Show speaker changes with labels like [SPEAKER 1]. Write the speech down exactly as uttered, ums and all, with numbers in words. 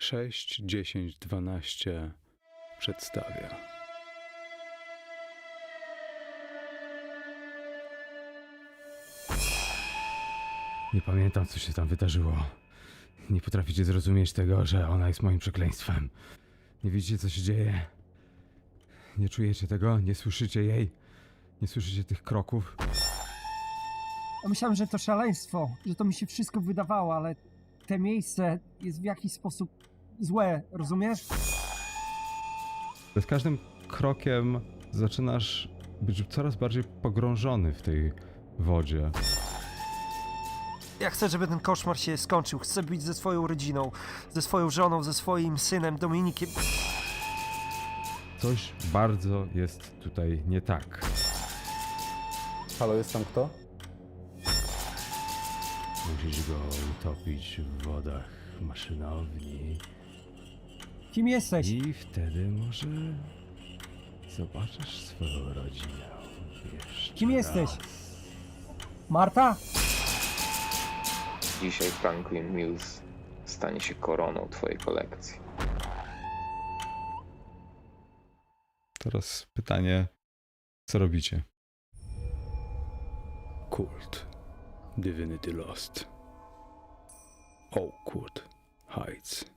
[SPEAKER 1] sześć, dziesięć, dwanaście przedstawia.
[SPEAKER 2] Nie pamiętam, co się tam wydarzyło. Nie potraficie zrozumieć tego, że ona jest moim przekleństwem. Nie widzicie, co się dzieje? Nie czujecie tego? Nie słyszycie jej? Nie słyszycie tych kroków?
[SPEAKER 3] Ja myślałem, że to szaleństwo, że to mi się wszystko wydawało, ale te miejsce jest w jakiś sposób złe, rozumiesz?
[SPEAKER 2] Z każdym krokiem zaczynasz być coraz bardziej pogrążony w tej wodzie.
[SPEAKER 3] Ja chcę, żeby ten koszmar się skończył. Chcę być ze swoją rodziną, ze swoją żoną, ze swoim synem Dominikiem.
[SPEAKER 2] Coś bardzo jest tutaj nie tak.
[SPEAKER 4] Halo, jest tam kto?
[SPEAKER 2] Musisz go utopić w wodach maszynowni
[SPEAKER 3] Kim jesteś?
[SPEAKER 2] i wtedy może zobaczysz swoją rodzinę jeszcze
[SPEAKER 3] Kim jesteś?
[SPEAKER 2] raz.
[SPEAKER 3] Marta?
[SPEAKER 5] Dzisiaj Franklin Mills stanie się koroną twojej kolekcji.
[SPEAKER 1] Teraz pytanie, co robicie?
[SPEAKER 6] Kult. Divinity Lost. Oakwood Heights.